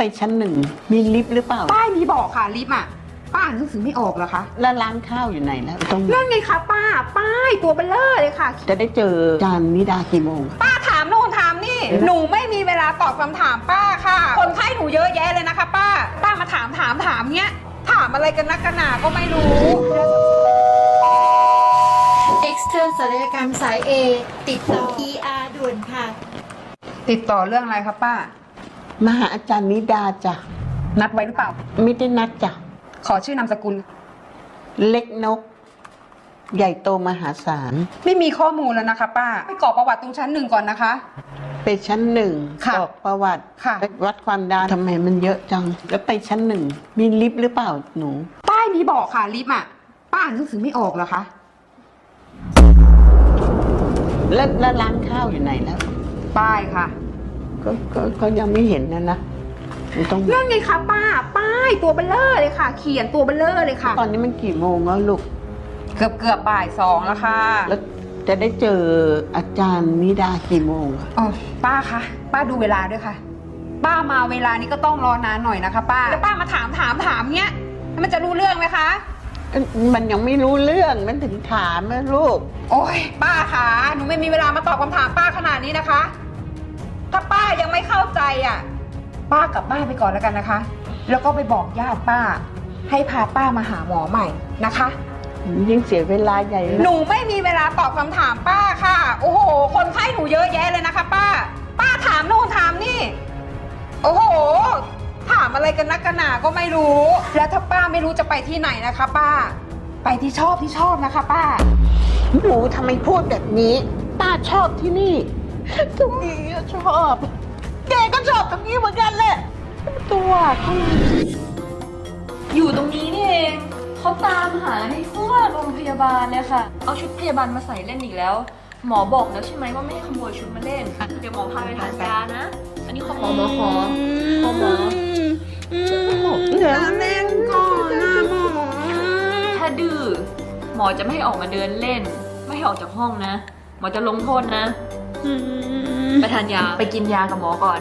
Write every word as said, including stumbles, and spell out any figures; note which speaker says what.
Speaker 1: ชั้นหนึ่งมีลิฟต์หรือเปล่า
Speaker 2: ป้ายมีบอกค่ะลิฟต์อ่ะป้าอ่านหนังสือไม่ออกเหรอคะ
Speaker 1: แล้วร้านข้าวอยู่ไหนแล้วตรง
Speaker 2: นั่นไงคะป้าป้ายตัวเบลเลอร์เลยค่ะ
Speaker 1: จะได้เจอจานนิดากี่โมง
Speaker 2: ป้าถามโน่นถามนี่หนูไม่มีเวลาตอบคำถามป้าค่ะคนไข้หนูเยอะแยะเลยนะคะป้าป้ามาถามถามถามเนี้ยถามอะไรกันนักกันหนาก็ไม่รู้
Speaker 3: Extern ศัลยกรรมสาย A ติดต่อ อี อาร์ ด่วนค่ะ
Speaker 2: ติดต่อเรื่องอะไรคะป้า
Speaker 1: มาหาอาจารย์นิดาจ้ะ
Speaker 2: นัดไว้หรือเปล่า
Speaker 1: ไม่ได้นัดจ้ะ
Speaker 2: ขอชื่อนามสกุล
Speaker 1: เล็กนกใหญ่โตมหาศาล
Speaker 2: ไม่มีข้อมูลแล้วนะคะป้าไปกรอกประวัติตรงชั้นหนึ่งก่อนนะคะ
Speaker 1: ไปชั้นหนึ่งกรอกประวัติวัดความดันทำไมมันเยอะจังแล้วไปชั้นหนึ่งมีลิฟต์หรือเปล่าหนู
Speaker 2: ป้ายมีบอกค่ะลิฟต์อ่ะป้าอ่านหนังสือไม่ออกเหรอคะ
Speaker 1: แล้วแล้วร้านข้าวอยู่ไหนแล้ว
Speaker 2: ป้ายค่ะ
Speaker 1: ก็ก็ก็ยังไม่เห็นนะนะ
Speaker 2: ต้องนั่นไงคะป้าป้ายตัวเบลเลอร์เลยค่ะเขียนตัวเบลเลอร์เลยค่ะ
Speaker 1: ตอนนี้มันกี่โมงแล้วลูก
Speaker 2: เกือบเกือบบ่ายสองแล้วค่ะ
Speaker 1: แล้วจะได้เจออาจารย์นิดากี่โมง
Speaker 2: อ๋อป้าคะป้าดูเวลาด้วยค่ะป้ามาเวลานี้ก็ต้องรอนานหน่อยนะคะป้าแล้วป้ามาถามถามถามเนี้ยมันจะรู้เรื่องไหมคะ
Speaker 1: มันยังไม่รู้เรื่องมันถึงถามนะลูก
Speaker 2: โอ้ยป้าคะหนูไม่มีเวลามาตอบคำถามป้าขนาดนี้นะคะถ้าป้ายังไม่เข้าใจอ่ะป้ากลับบ้านไปก่อนแล้วกันนะคะแล้วก็ไปบอกญาติป้าให้พาป้ามาหาหมอใหม่นะคะ
Speaker 1: ยิ่งเสียเวลาใหญ่
Speaker 2: หนูไม่มีเวลาตอบคำถามป้าค่ะโอ้โหคนไข้หนูเยอะแยะเลยนะคะป้าป้าถามโน่นถามนี่โอ้โหถามอะไรกันนักกันหนาก็ไม่รู้แล้วถ้าป้าไม่รู้จะไปที่ไหนนะคะป้าไปที่ชอบที่ชอบนะคะป้า
Speaker 1: หนูทำไมพูดแบบนี้ป้าชอบที่นี่ตรงนี้ชอบแกก็ชอบตรงนี้เหมือนกันแหละตัว
Speaker 4: อยู่ตรงนี้นี่เองเขาตามหาในทั่วโรงพยาบาลเลยค่ะเอาชุดพยาบาลมาใส่เล่นอีกแล้วหมอบอกแล้วใช่ไหมว่าไม่ให้ขโมยชุดมาเล่นเดี๋ยวหมอพาไปทานยานะอันนี้ขอหมอหมอขอขอหมอ
Speaker 2: เดี๋ยวเล่นก่อนนะหมอ
Speaker 4: ถ้าดื้อหมอจะไม่ให้ออกมาเดินเล่นไม่ให้ออกจากห้องนะหมอจะลงโทษนะไปทานยาไปกินยากับหมอก่อน